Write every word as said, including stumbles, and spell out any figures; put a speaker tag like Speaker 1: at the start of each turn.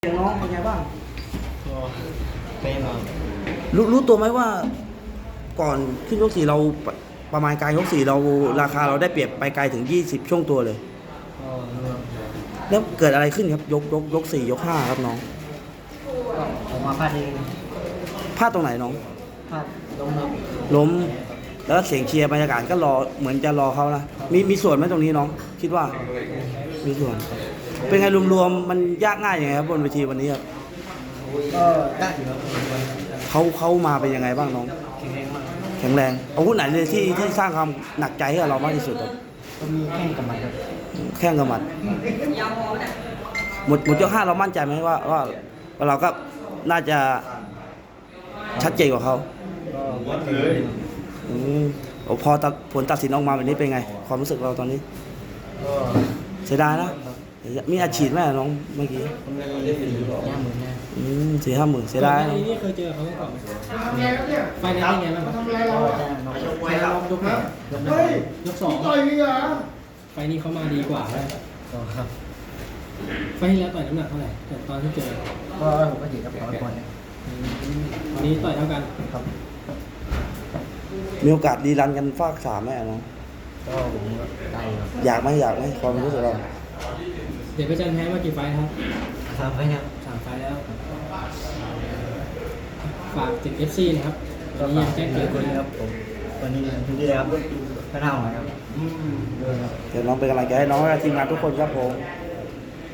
Speaker 1: อย่างน้องเป็นไงบ้าง
Speaker 2: ก็เป็นครับ
Speaker 1: รู้รู้ตัวไหมว่าก่อนขึ้นยกสี่เราประมาณกลางยกสี่เราราคาเราได้เปรียบไปไกลถึงยี่สิบช่วงตัวเลย
Speaker 2: ก็
Speaker 1: แล้วเกิดอะไรขึ้นครับยกยกยกสี่ยกห้าครับน้อง
Speaker 2: ก็ผมมาพลาดเอง
Speaker 1: พลาดตรงไหนน้อง
Speaker 2: พลาดล้มครับ
Speaker 1: ล้มแล้วเสียงเชียร์บรรยากาศก็รอเหมือนจะรอเขานะมีมีส่วนไหมตรงนี้น้องคิดว่ามีส่วนเป็นไงรวมๆมันยากง่ายยังไงครับบนเวทีวันนี้ครับ
Speaker 2: ก็ได้อยู่ครับ
Speaker 1: เขาเขามาเป็นยังไงบ้างน้อง
Speaker 2: แข็งแรงมาก
Speaker 1: แข็งแรงอาวุธไหนเลยที่ที่สร้างความหนักใจให้เรามากที่สุดครับ
Speaker 2: ก็มีแข้งกับมันครับ
Speaker 1: แข้งกับหมัดหมดหมดยกห้าเรามั่นใจไหมว่าว่าว่าเราก็น่าจะชัดเจนกว่าเขา
Speaker 2: ก็วัดเลย
Speaker 1: อืมพอตัดผลตัดสินออกมาแบบนี้เป็นไงความรู้สึกเราตอนนี้
Speaker 2: ก็
Speaker 1: เสียดายนะมีอาชีพไหมน้องเมื่อกี้
Speaker 2: ผมเลยสี่ห้าหมื่นนะ
Speaker 1: อืมสี่ห้าหมื่นเสียดาย
Speaker 3: ไฟนี่เคยเจอเขาก่อนไหมไฟนั้นเป็นไงบ้างครับไฟรอบยกไหนยกหนึ่งยกสองไฟนี้เขามาดีกว่าเลย
Speaker 2: ครับ
Speaker 3: ไฟที่แล้วต่อยน้ำหนักเท่าไหร่แต่ตอนที่เจอ
Speaker 2: ก็ผมก็หยิบกับร้อยปอนด์
Speaker 3: วันนี้ต่อยเท่ากัน
Speaker 2: ครับ
Speaker 1: มีโอกาสดีรันกันฟากสามไหมน้อง
Speaker 2: ก็ผมได้ครับ
Speaker 1: อยากไหมอยากไหมความรู้สึกเรา
Speaker 3: เดี๋ยวพระจันทร์แพ้มากี่ไฟครับ
Speaker 2: สามไฟครับ
Speaker 3: สามไฟแล้วฝากถึง เอฟ ซี นะครับวันนี้ยังแจ้งเกิด
Speaker 2: คนครับผมวันนี้ทุกที่เลยครับพระเท่าครับ
Speaker 1: เดี๋ยวน้องเป็นกำลังใจให้น้องและทีมงานทุกคนครับผม